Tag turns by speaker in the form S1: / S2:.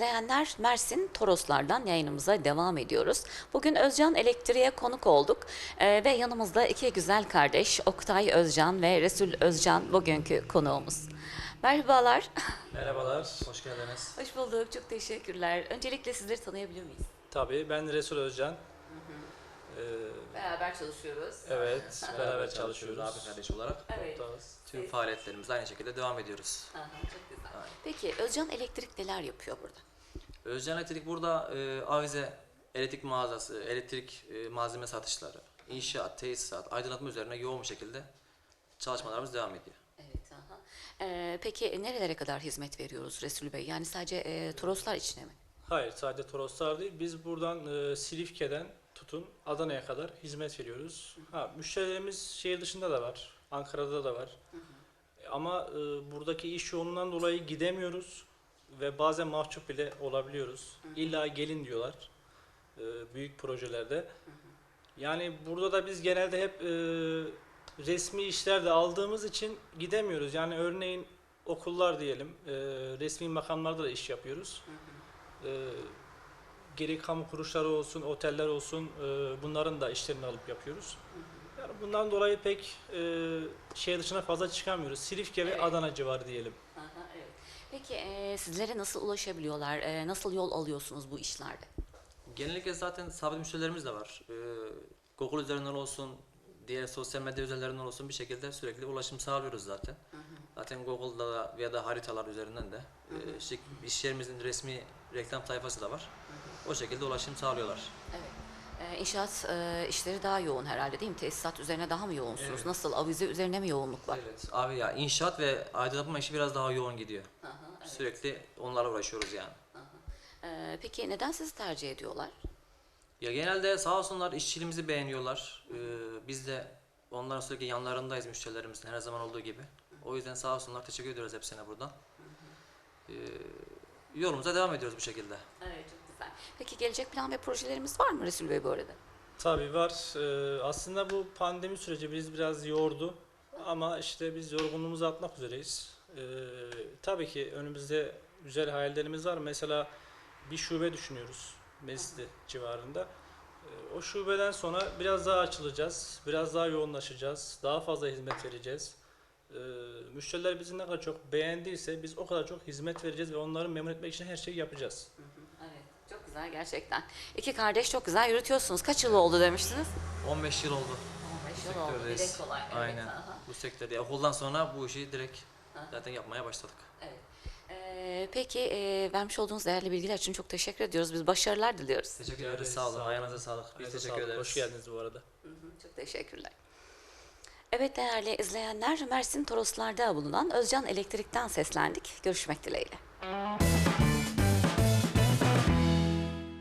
S1: izleyenler, Mersin Toroslardan yayınımıza devam ediyoruz. Bugün Özcan Elektrik'e konuk olduk ve yanımızda iki güzel kardeş Oktay Özcan ve Resul Özcan bugünkü konuğumuz. Merhabalar.
S2: Merhabalar, hoş geldiniz.
S1: Hoş bulduk, çok teşekkürler. Öncelikle sizleri tanıyabilir miyiz?
S2: Tabii, ben Resul Özcan.
S1: Beraber çalışıyoruz.
S2: Evet, beraber çalışıyoruz.
S3: Abi kardeş olarak
S1: Evet.
S3: tüm faaliyetlerimize aynı şekilde devam ediyoruz.
S1: Aha, çok güzel. Peki Özcan Elektrik neler yapıyor burada?
S3: Özcan Elektrik burada avize, elektrik mağazası, elektrik malzeme satışları, inşaat, tesisat, aydınlatma üzerine yoğun bir şekilde çalışmalarımız devam ediyor.
S1: Evet. Aha. Peki nerelere kadar hizmet veriyoruz Resul Bey? Yani sadece Toroslar içine mi?
S2: Hayır, sadece Toroslar değil, biz buradan Silifke'den tutun Adana'ya kadar hizmet veriyoruz. Müşterilerimiz şehir dışında da var, Ankara'da da var. Ama buradaki iş yoğunluğundan dolayı gidemiyoruz ve bazen mahcup bile olabiliyoruz. İlla gelin diyorlar büyük projelerde. Yani burada da biz genelde hep resmi işlerde aldığımız için gidemiyoruz. Yani örneğin okullar diyelim, resmi makamlarda da iş yapıyoruz. Gerek kamu kuruluşları olsun, oteller olsun, bunların da işlerini alıp yapıyoruz. Yani bundan dolayı pek şehir dışına fazla çıkamıyoruz. Silifke ve Adana civarı diyelim.
S1: Aha, evet. Peki sizlere nasıl ulaşabiliyorlar? Nasıl yol alıyorsunuz bu işlerde?
S3: Genellikle zaten sabit müşterilerimiz de var. Google üzerinden olsun, diğer sosyal medya üzerinden olsun bir şekilde sürekli ulaşım sağlıyoruz zaten. Zaten Google'da da ya da haritalar üzerinden de iş yerimizin resmi reklam sayfası da var. O şekilde ulaşım sağlıyorlar.
S1: Evet. İnşaat işleri daha yoğun herhalde değil mi? Tesisat üzerine daha mı yoğunsunuz?
S3: Evet.
S1: Nasıl? Avize üzerine mi yoğunluk var?
S3: Evet. Abi ya inşaat ve aydınlatma işi biraz daha yoğun gidiyor.
S1: Aha, evet.
S3: Sürekli onlarla uğraşıyoruz yani.
S1: Peki neden sizi tercih ediyorlar?
S3: Ya genelde sağ olsunlar işçiliğimizi beğeniyorlar. Biz de onların sürekli yanlarındayız müşterilerimizin her zaman olduğu gibi. O yüzden sağ olsunlar teşekkür ediyoruz hepsine buradan. Yolumuza devam ediyoruz bu şekilde.
S1: Evet, çok güzel. Peki gelecek plan ve projelerimiz var mı Resul Bey bu arada?
S2: Tabii var. Aslında bu pandemi süreci biz biraz yordu. Ama işte biz yorgunluğumuzu atmak üzereyiz. Tabii ki önümüzde güzel hayallerimiz var. Mesela bir şube düşünüyoruz Mescidi civarında. O şubeden sonra biraz daha açılacağız, biraz daha yoğunlaşacağız, daha fazla hizmet vereceğiz. Müşteriler bizi ne kadar çok beğendiyse biz o kadar çok hizmet vereceğiz ve onları memnun etmek için her şeyi yapacağız.
S1: Evet, çok güzel gerçekten. İki kardeş çok güzel yürütüyorsunuz. Kaç yıl oldu demiştiniz?
S3: 15 yıl oldu.
S1: 15 yıl oldu.
S3: Sektördeyiz.
S1: Dile kolay. Evet,
S3: Aynen.
S1: aha.
S3: Bu sektörde okuldan sonra bu işi direkt zaten yapmaya başladık.
S1: Evet. Peki vermiş olduğunuz değerli bilgiler için çok teşekkür ediyoruz. Biz başarılar diliyoruz.
S3: Teşekkür ederiz. Sağ olun. Ayağınıza sağlık. Biz
S2: Ayağınıza
S3: teşekkür
S2: sağlık.
S3: ederiz.
S2: Hoş geldiniz bu arada.
S1: Çok teşekkürler. Evet değerli izleyenler, Mersin Toroslar'da bulunan Özcan Elektrik'ten seslendik. Görüşmek dileğiyle.